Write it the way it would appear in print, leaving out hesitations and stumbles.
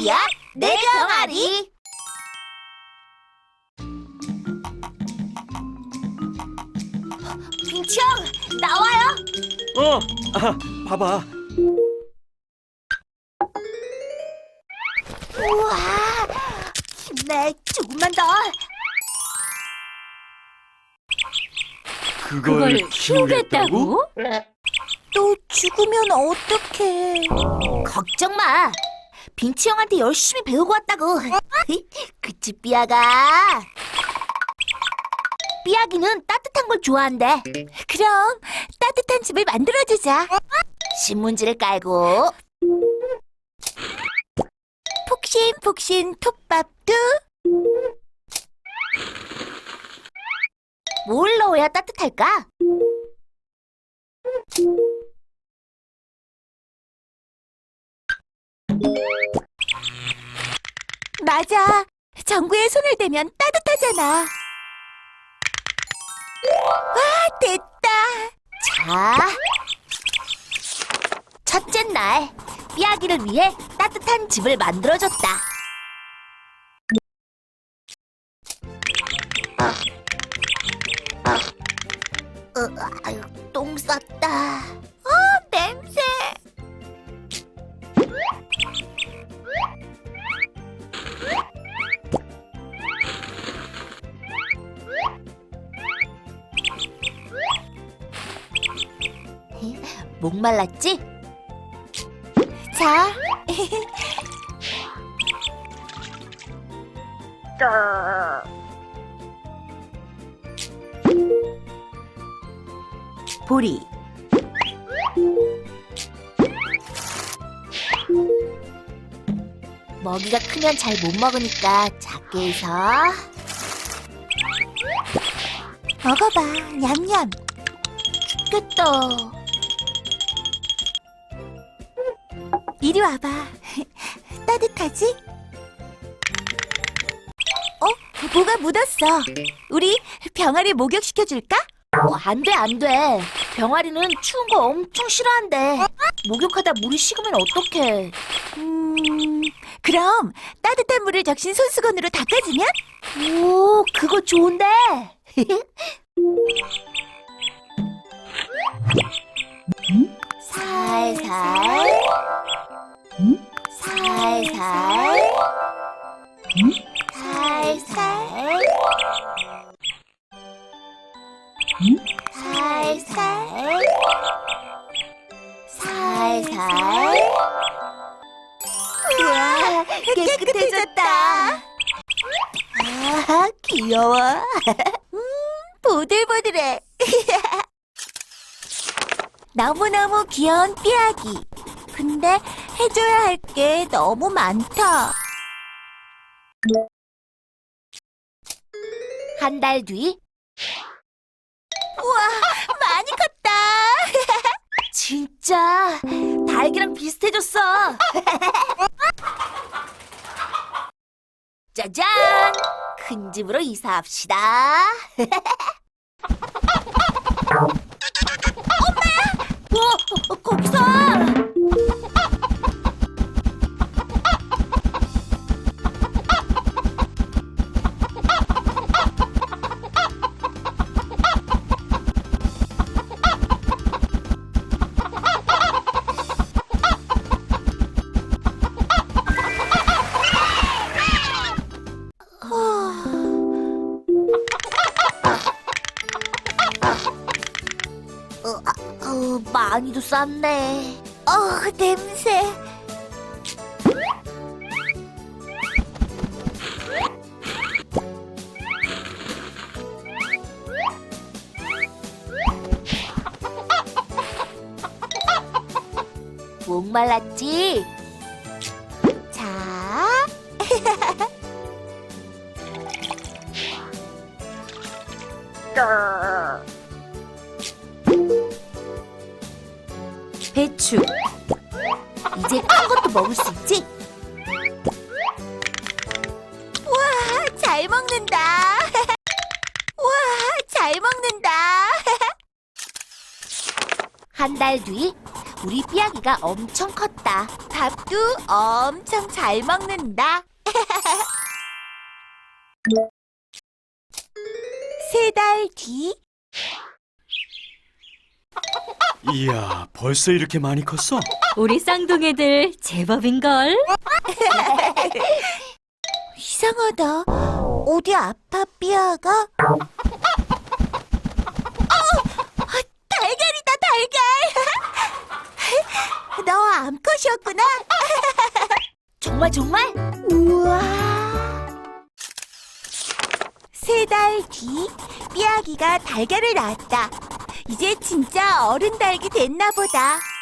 병아리야, 내 병아리. 빈치 형, 나와요. 봐봐. 우와, 힘내, 조금만 더. 그걸 키우겠다고? 또 죽으면 어떡해. 걱정 마. 빈치 형한테 열심히 배우고 왔다고. 그치, 삐아가? 삐아기는 따뜻한 걸 좋아한대. 그럼 따뜻한 집을 만들어주자. 신문지를 깔고 폭신폭신 톱밥도. 뭘 넣어야 따뜻할까? 맞아. 전구에 손을 대면 따뜻하잖아. 와, 됐다. 자, 첫째 날, 삐아기를 위해 따뜻한 집을 만들어줬다. 아유, 똥 쌌다. 냄새. 목말랐지? 자. 보리. 먹이가 크면 잘 못 먹으니까 작게 해서. 먹어봐, 냠냠. 죽겠다. 이리 와봐. 따뜻하지? 뭐가 묻었어. 우리 병아리 목욕시켜줄까? 안 돼, 안 돼. 병아리는 추운 거 엄청 싫어한대. 목욕하다 물이 식으면 어떡해. 그럼 따뜻한 물을 적신 손수건으로 닦아주면? 오, 그거 좋은데. 살살 살살 살살 살살 살살. 우와, 깨끗해졌다. 아, 귀여워. 보들보들해. 너무너무 귀여운 삐아기. 근데 해줘야 할 게 너무 많다. 한 달 뒤. 우와, 많이 컸다. 진짜 닭이랑 비슷해졌어. 짜잔! 큰 집으로 이사합시다. 엄마! 거기서! 많이도 쌌네. 냄새. 목말랐지? 자. 배추. 이제 큰 것도 먹을 수 있지? 우와, 잘 먹는다. 우와, 잘 먹는다. 한 달 뒤, 우리 삐약이가 엄청 컸다. 밥도 엄청 잘 먹는다. 3달 뒤. 이야, 벌써 이렇게 많이 컸어? 우리 쌍둥이들 제법인걸? 이상하다. 어디 아파, 삐아가? 달걀이다, 달걀! 너 암컷이었구나? 정말? 우와! 3달 뒤, 삐아기가 달걀을 낳았다. 이제 진짜 어른 닭이 됐나 보다.